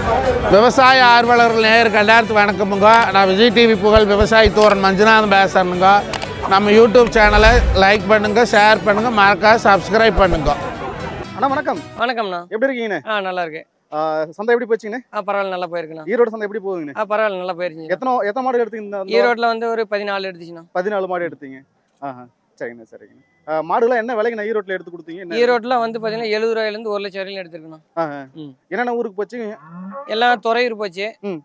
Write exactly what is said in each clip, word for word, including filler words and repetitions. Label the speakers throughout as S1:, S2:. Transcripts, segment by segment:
S1: விவசாய ஆர்வலர்கள் நேயருக்கு எல்லாத்துக்கும் வணக்கமுங்க. நான் விஜய் டிவி புகழ் விவசாயி தோரன் மஞ்சுநாதன் பேசுறேனுங்க. நம்ம யூடியூப் சேனலை லைக் பண்ணுங்க, ஷேர் பண்ணுங்க, மறக்காம சப்ஸ்கிரைப் பண்ணுங்க.
S2: அண்ணா வணக்கம்.
S3: வணக்கம்ண்ணா.
S2: எப்படி இருக்கீங்கண்ணே?
S3: ஆ நல்லா இருக்கு.
S2: சந்தை எப்படி போச்சுங்கண்ணே?
S3: ஆ பரவாயில்ல, நல்லா போயிருக்குண்ணா.
S2: ஈரோடு சந்தை எப்படி போகுதுங்கண்ணே?
S3: ஆ பரவாயில்ல, நல்லா போயிருச்சு.
S2: எத்தனை எத்தனை மாடு எடுத்தீங்க?
S3: ஈரோட்டில் வந்து ஒரு பதினாலு எடுத்துச்சுண்ணா.
S2: பதினாலு மாடு எடுத்தீங்க. ஆஹா, சரிங்கண்ணா சரிங்கண்ணா. மாடுலாம் என்ன விலைக்குண்ணா ஈரோட்டில் எடுத்து கொடுத்தீங்க?
S3: ஈரோட்டில் வந்து பார்த்தீங்கன்னா எழுபது ரூபாயிலேருந்து ஒரு லட்சம் வரையிலும் எடுத்துருக்கணும்.
S2: என்னென்ன ஊருக்கு போச்சு?
S3: எல்லாம் துறையூர் போச்சு,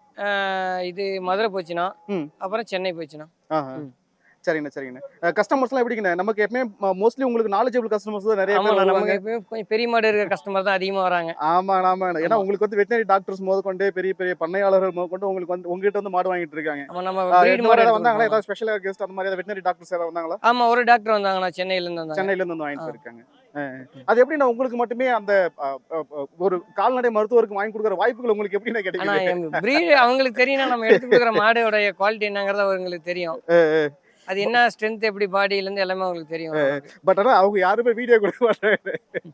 S3: இது மதுரை போச்சுண்ணா, அப்புறம் சென்னை போச்சுண்ணா.
S2: சரிங்கண்ணா சரிங்கண்ணா. கஸ்டமர்ஸ்லாம் எப்படிங்கண்ணா? நமக்கு எப்பவுமே மோஸ்ட்லி உங்களுக்கு நாலேஜபிள் கஸ்டமர்ஸ் தான் நிறைய பேர்.
S3: நமக்கு எப்பயும் கொஞ்சம் பெரிய மாடு இருக்கிற கஸ்டமர் தான் அதிகமாக வராங்க.
S2: ஆமாம் ஆமாம். ஏன்னா உங்களுக்கு வந்து வெட்டினரி டாக்டர்ஸ் முதல் கொண்டு பெரிய பெரிய பண்ணையாளர்கள் முதல் கொண்டு உங்களுக்கு வந்து உங்ககிட்ட வந்து மாடு வாங்கிட்டு இருக்காங்க.
S3: நம்ம
S2: வந்தாங்களா? ஏதாவது ஸ்பெஷலாக கெஸ்ட் அந்த மாதிரி வெட்டினரி டாக்டர்ஸ் ஏதாவது வந்தாங்களா?
S3: ஆமாம், ஒரு டாக்டர் வந்தாங்கண்ணா, சென்னையிலேருந்து வந்தாங்க.
S2: சென்னையிலேருந்து வந்து வாங்கிட்டு இருக்காங்க. அது எப்படின்னா உங்களுக்கு மட்டுமே அந்த ஒரு கால்நடை மருத்துவருக்கு வாங்கி கொடுக்குற வாய்ப்புகள் உங்களுக்கு எப்படின்னா கிடைக்கும்?
S3: பிரீடு அவங்களுக்கு தெரியும், நம்ம எடுத்து கொடுக்குற மாடோடைய குவாலிட்டி என்னங்கிறத அவங்களுக்கு தெரியும். அது என்ன ஸ்ட்ரென்த், எப்படி பாடியிலேருந்து எல்லாமே அவங்களுக்கு தெரியும்.
S2: பட் ஆனால் அவங்க யாருமே வீடியோ கொடுக்க மாட்டாங்க.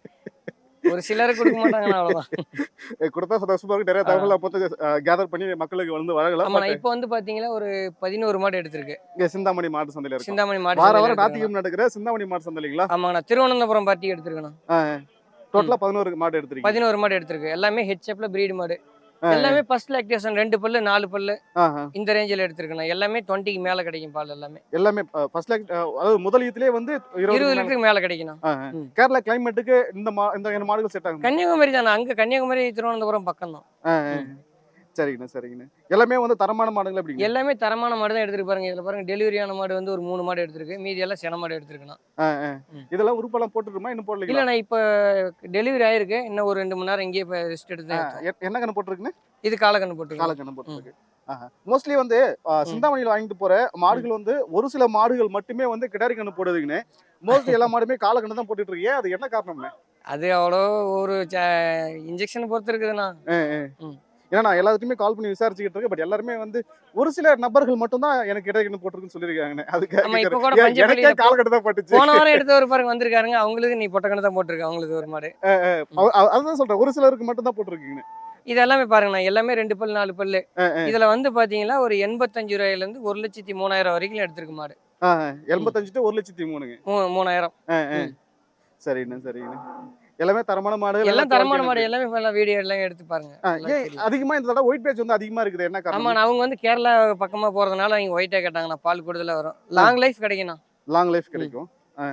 S3: ஒரு சிலருக்கு கொடுக்க மாட்டாங்கண்ணா, அவ்வளோதான்.
S2: கொடுத்தா சந்தோஷமா இருக்கு. நிறைய தகவல் அப்போ கேதர் பண்ணி மக்களுக்கு வந்து வரலாம்.
S3: ஆமாம், இப்போ வந்து பார்த்தீங்களா ஒரு பதினோரு மாடு எடுத்திருக்கு.
S2: இங்கே சிந்தாமணி மாடு சந்தையில் இருக்கு.
S3: சிந்தாமணி மாடு
S2: வார வாரம் நாத்திகம் நடக்கிற சிந்தாமணி மாடு சந்தை இல்லைங்களா?
S3: ஆமாங்கண்ணா, திருவனந்தபுரம் பார்ட்டி எடுத்திருக்கேண்ணா.
S2: டோட்டலா பதினோரு மாடு எடுத்திருக்கு.
S3: பதினோரு மாடு எடுத்திருக்கு. எல்லாமே ஹெச்எப்ல பிரீடு மாடு. எல்லாமே ஃபர்ஸ்ட் லாக்டேஷன், ரெண்டு பல்லு நாலு பல்லு இந்த ரேஞ்சில் எடுத்திருக்கேன். எல்லாமே டுவெண்ட்டிக்கு மேல கிடைக்கும் பால். எல்லாமே எல்லாமே
S2: ஃபர்ஸ்ட் லாக், அதாவது முதல் ஈத்திலே வந்து
S3: இருபது லிட்டருக்கு மேல கிடைக்கும்.
S2: கேரளா கிளைமேட்டுக்கு இந்த இந்த மாடுகள் செட் ஆகும்.
S3: கன்னியாகுமரி தானே, அங்க கன்னியாகுமரி திருவனந்தபுரம் பக்கம் தான்.
S2: சரிங்கண்ணா சரிங்கண்ணா. எல்லாமே வந்து தரமான மாடுகள் எப்படி?
S3: எல்லாமே தரமான மாடு தான் எடுத்துட்டு பாருங்க. இதுல பாருங்க, டெலிவரியான மாடு வந்து ஒரு மூணு மாடு எடுத்திருக்கு. மீதி எல்லாம் சென மாடு எடுத்திருக்கேன்.
S2: இதெல்லாம் உருப்பெல்லாம் போட்டுருமா? இன்னும் போடல?
S3: இல்ல, நான் இப்ப டெலிவரி ஆயிருக்கு. இன்னும் ஒரு ரெண்டு மணி நேரம் இங்கேயே ரெஸ்ட் எடுத்து.
S2: என்ன கண்ணு போட்டுருக்குன்னு?
S3: இது காலக்கண்ணு போட்டு
S2: காலக்கண்ணு போட்டுருக்கு. மோஸ்ட்லி வந்து சிந்தாமணியில் வாங்கிட்டு போற மாடுகள் வந்து ஒரு சில மாடுகள் மட்டுமே வந்து கிடாரி கண்ணு போடுதுங்கன்னு, மோஸ்ட்லி எல்லா மாடுமே காலக்கண்ணு தான் போட்டுட்டு இருக்கு. அது என்ன காரணம்னு?
S3: அது அவ்வளோ ஒரு இன்ஜெக்ஷன் பொறுத்து இருக்குதுண்ணா.
S2: ஏன்னா நான் எல்லாத்துக்குமே கால் பண்ணி விசாரிச்சுக்கிட்டு இருக்கேன். பட் எல்லாருமே வந்து ஒரு சில நபர்கள் மட்டும் தான் எனக்கு கிடாரி போட்டுருக்குன்னு சொல்லியிருக்காங்க. அதுக்கு காலக்கட்டு தான் போட்டுச்சு.
S3: போன வாரம் எடுத்த ஒரு பாருங்க வந்திருக்காருங்க, அவங்களுக்கு நீ பொட்டக்கண்ணு தான் போட்டிருக்க. அவங்களுக்கு ஒரு மாடு.
S2: அதுதான் சொல்றேன், ஒரு சிலருக்கு மட்டும் தான் போட்டுருக்கீங்க.
S3: இது எல்லாமே பாருங்கண்ணா, எல்லாமே ரெண்டு பல்லு நாலு பல்லு. இதுல வந்து பாத்தீங்கன்னா ஒரு எண்பத்தஞ்சு ரூபாயில இருந்து ஒரு லட்சத்தி மூணாயிரம் வரைக்கும் எடுத்திருக்கு மாடு.
S2: எண்பத்தஞ்சு டு ஒரு லட்சத்தி மூணுங்க
S3: மூணாயிரம்.
S2: சரிண்ணா சரிண்ணா. எல்லாமே தரமான மாடு.
S3: எல்லாம் தரமான மாடு. எல்லாமே வீடியோ எல்லாம் எடுத்து பாருங்க.
S2: அதிகமா இந்த தடவை ஒயிட் பேட்ச் வந்து அதிகமா இருக்குது. என்ன காரணம்?
S3: ஆமா, அவங்க வந்து கேரளா பக்கமா போறதுனால அவங்க ஒயிட்டா கேட்டாங்கண்ணா. பால் கூடுதலா வரும். லாங் லைஃப் கிடைக்கும்ண்ணா.
S2: லாங் லைஃப் கிடைக்கும்.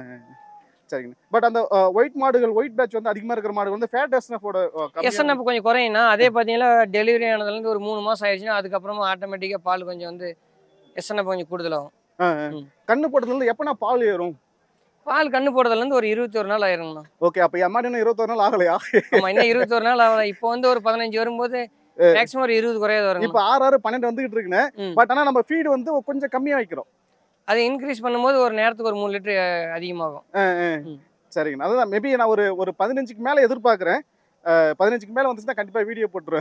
S2: சரிங்க. பட் அந்த ஒயிட் மாடுகள், ஒயிட் பேட்ச் வந்து அதிகமா இருக்கிற மாடு வந்து ஃபேட் எஸ்என்எஃப்-ஓட
S3: எஸ்என்எஃப் கொஞ்சம் குறையும்னா. அதே பாத்தீங்கன்னா டெலிவரி ஆனதுல இருந்து ஒரு மூணு மாசம் ஆயிடுச்சுன்னா அதுக்கப்புறமா ஆட்டோமேட்டிக்கா பால் கொஞ்சம் வந்து எஸ்என்எஃப் கொஞ்சம் கூடுதலாகும்.
S2: கண்ணு போட்டதுல இருந்து எப்பனா பால் ஏறும்?
S3: பால் கண்ணு போடுறதுல இருந்து ஒரு இருபத்தி ஒரு நாள் ஆயிருங்கண்ணா.
S2: ஓகே, அப்ப என் மாடு இன்னும் இருபத்தொரு நாள் ஆகலையா?
S3: ஆமா, இன்னும் இருபத்தி ஒரு நாள் ஆகல. இப்போ வந்து ஒரு பதினஞ்சு வரும்போது மேக்ஸிமம் ஒரு இருபது குறையாது வரும்.
S2: இப்போ ஆறு ஆறு பன்னெண்டு வந்துகிட்டு இருக்குன்னு. பட் ஆனா நம்ம ஃபீட் வந்து கொஞ்சம் கம்மியா வைக்கிறோம்.
S3: அதை இன்க்ரீஸ் பண்ணும்போது ஒரு நேரத்துக்கு ஒரு மூணு லிட்டர் அதிகமாகும்.
S2: சரிங்க. அதுதான் மேபி நான் ஒரு ஒரு பதினஞ்சுக்கு மேல எதிர்பார்க்கிறேன். பதினஞ்சுக்கு மேல வந்துச்சுன்னா கண்டிப்பா வீடியோ போட்டுருவேன்.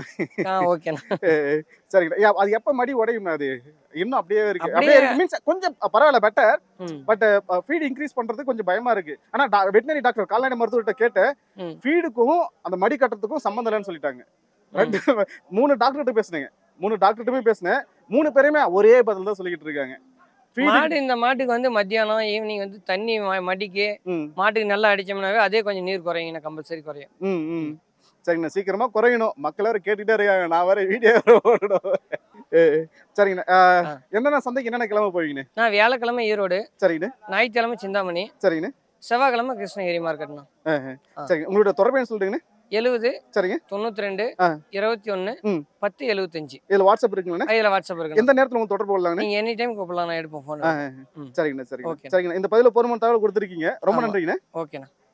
S2: சரிங்க. அது எப்ப மடி உடையும்? அது இன்னும் அப்படியே இருக்கு. அப்படியே மீன்ஸ் கொஞ்சம் பரவாயில்ல, பெட்டர். பட் ஃபீட் இன்க்ரீஸ் பண்றது கொஞ்சம் பயமா இருக்கு. ஆனா வெட்டினரி டாக்டர் கால்நடை மருத்துவர்கிட்ட கேட்ட ஃபீடுக்கும் அந்த மடி கட்டுறதுக்கும் சம்மந்தம் இல்லைன்னு சொல்லிட்டாங்க. ரெண்டு மூணு டாக்டர்கிட்ட பேசுனேங்க. மூணு டாக்டர்கிட்டமே பேசினேன். மூணு பேருமே ஒரே பதில் தான் சொல்லிக்கிட்டு இருக்காங்க.
S3: மாடு இந்த மாட்டுக்கு வந்து மத்தியானம் ஈவினிங் வந்து தண்ணி மடிக்கு மாட்டுக்கு நல்லா அடிச்சோம்னாவே அதே கொஞ்சம் நீர் குறையும், கம்பல்சரி குறையும்.
S2: சரிங்கண்ணா, சீக்கிரமா குறையணும். மக்கள் வேற கேட்டுட்டே இருக்காங்க. நான் வேற வீடியோ ஓடணும். சரிங்கண்ணா. என்னென்ன சந்தைக்கு என்னென்ன கிழமை போவீங்கண்ணே? நான்
S3: வியாழக்கிழமை ஈரோடு.
S2: சரிங்கண்ணா.
S3: ஞாயிற்றுக்கிழமை சிந்தாமணி.
S2: சரிங்கண்ணா.
S3: செவ்வாய்க்கிழமை கிருஷ்ணகிரி மார்க்கெட்ண்ணா.
S2: சரிங்க. உங்களோட தொடர்பு சொல்றீங்கண்ணே?
S3: எழுபது
S2: சரிங்க
S3: தொண்ணூத்தி ரெண்டு இருபத்தி ஒன்னு பத்து எழுபத்தஞ்சு.
S2: இதுல வாட்ஸ்அப் இருக்குங்களா?
S3: இதுல வாட்ஸ்அப் இருக்கு.
S2: எந்த நேரத்துல உங்க தொடர்பு கொள்ளலாம்?
S3: நீங்க எனி டைம் கூப்பிடலாம், நான் எடுப்போம் போன்.
S2: சரிங்கண்ணா சரிங்க. சரிங்கண்ணா. இந்த பதில பொறுமையான தகவல் கொடுத்துருக்கீங்க. ரொம்ப நன்றிங்கண்ணா.
S3: ஓகேண்ணா.